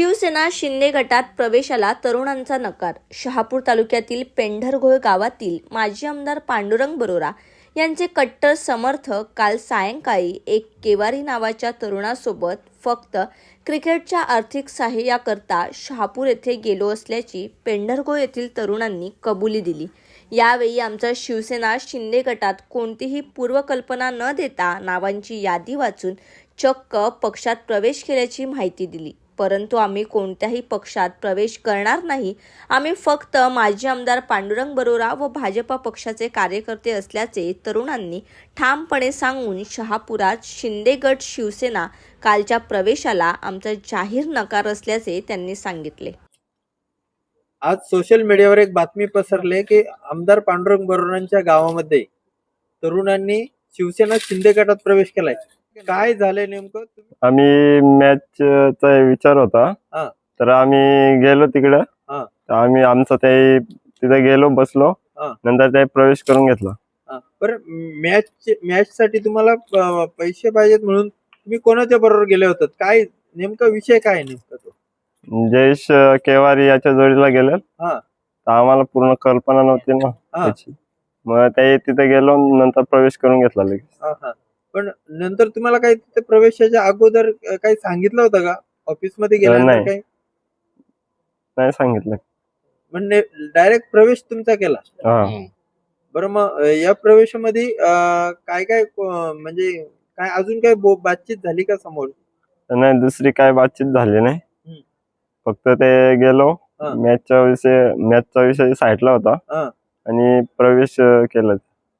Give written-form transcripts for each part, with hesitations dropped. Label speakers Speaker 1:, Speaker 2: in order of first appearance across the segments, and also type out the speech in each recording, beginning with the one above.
Speaker 1: शिवसेना शिंदे गटात प्रवेशाला तरुणांचा नकार. शहापूर तालुक्यातील पेंढरघोळ गावातील माजी आमदार पांडुरंग बरोरा यांचे कट्टर समर्थक काल सायंकाळी एक केवारी नावाच्या तरुणासोबत फक्त क्रिकेटच्या आर्थिक सहाय्याकरता शहापूर येथे गेलो असल्याची पेंढरघोळ येथील तरुणांनी कबुली दिली. यावेळी आमचा शिवसेना शिंदे गटात कोणतीही पूर्वकल्पना न देता नावांची यादी वाचून चक्क पक्षात प्रवेश केल्याची माहिती दिली. परंतु आम्ही कोणत्याही पक्षात प्रवेश करणार नाही. आम्ही फक्त माजी आमदार पांडुरंग बरोरा व भाजपा पक्षाचे कार्यकर्ते असल्याचे तरुणांनी ठामपणे सांगून शहापुरात शिंदे गट शिवसेना कालच्या प्रवेशाला आमचा जाहीर नकार असल्याचे त्यांनी सांगितले.
Speaker 2: आज सोशल मीडियावर एक बातमी पसरली की आमदार पांडुरंग बरोरांच्या गावामध्ये तरुणांनी शिवसेना शिंदे गटात प्रवेश केलाय. काय झालंय नेमकं?
Speaker 3: आम्ही मॅचचा विचार होता, तर आम्ही गेलो तिकडं. आम्ही आमचं ते तिथे गेलो, बसलो, नंतर ते प्रवेश करून घेतला.
Speaker 2: बरं, मॅच साठी तुम्हाला पैसे पाहिजेत म्हणून तुम्ही कोणाच्या बरोबर गेले होतात? काय नेमका विषय काय आहे नेमका तो?
Speaker 3: जयेश केवारी याच्या जोडीला गेले. तर आम्हाला पूर्ण कल्पना नव्हती ना त्याची. मग ते तिथे गेलो, नंतर प्रवेश करून घेतला लगेच.
Speaker 2: पण नंतर तुम्हाला काही तिथे प्रवेशाच्या अगोदर काही सांगितलं होतं का? ऑफिस मध्ये गेल्यानंतर काही
Speaker 3: नाही सांगितलं.
Speaker 2: म्हणजे डायरेक्ट प्रवेश तुमचा केला? बरं, मग या प्रवेशामध्ये काय काय म्हणजे काय अजून काय बातचीत झाली का समोर?
Speaker 3: नाही, दुसरी काय बातचीत झाली नाही. फक्त ते गेलो, मॅचचा विषय साईडला होता आणि प्रवेश केला.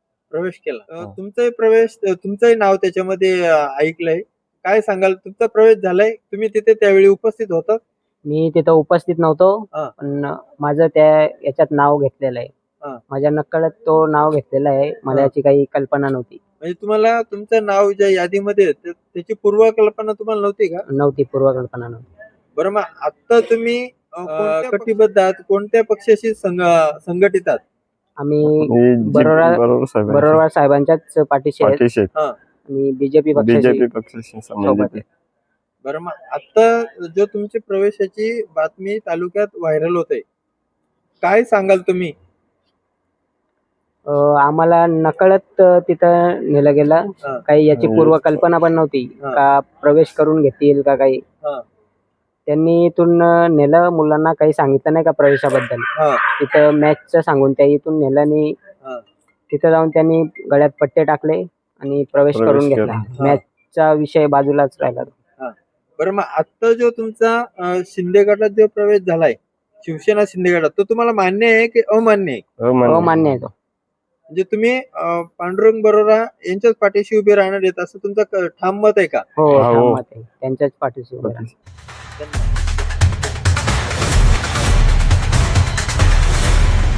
Speaker 2: तुमचंही नाव त्याच्यामध्ये ऐकलंय. काय सांगाल? तुमचा प्रवेश झालाय, तुम्ही तिथे त्यावेळी उपस्थित होतात?
Speaker 4: मी तिथं उपस्थित नव्हतो, पण माझं त्या याच्यात नाव घेतलेलं आहे. माझ्या नकळत तो नाव घेतलेला आहे. मला याची काही कल्पना नव्हती. म्हणजे
Speaker 2: तुम्हाला तुमचं नाव ज्या यादीमध्ये त्याची पूर्वकल्पना तुम्हाला नव्हती का?
Speaker 4: नव्हती, पूर्वकल्पना नव्हती.
Speaker 2: बरं, मग आता तुम्ही कटिबद्ध आहात, कोणत्या पक्षाशी संघटित आहात?
Speaker 4: आम्ही बरोबर साहेबांच्याच पाठीशी आहेत आणि बीजेपी
Speaker 3: पक्षाशी
Speaker 4: सोबत आहे.
Speaker 2: बरं, मग आता जो तुमची प्रवेशाची बातमी तालुक्यात व्हायरल होते, काय सांगाल तुम्ही?
Speaker 4: आम्हाला नकळत तिथं नेलं गेलं. काही याची पूर्वकल्पना पण नव्हती का प्रवेश करून घेतील का काही. त्यांनी इथून नेलं, मुलांना काही सांगितलं नाही का प्रवेशाबद्दल. तिथं मॅचचं सांगून त्या इथून नेलं आणि तिथं जाऊन त्यांनी गळ्यात पट्टे टाकले आणि प्रवेश करून घेतला. मॅचचा विषय बाजूलाच राहिला.
Speaker 2: बरं, मग आता जो तुमचा शिंदे गटात जो प्रवेश झालाय, शिवसेना शिंदे गटात, तो तुम्हाला मान्य आहे की अमान्य आहे?
Speaker 4: अमान्य आहे तो.
Speaker 2: म्हणजे तुम्ही पांडुरंग बरोरा यांच्याच पाठीशी उभे राहणार आहेत असं तुमचं ठाम मत आहे का?
Speaker 4: हो, ठाम मत आहे. त्यांच्याच पाठीशी उभे राहणार.
Speaker 2: धन्यवाद.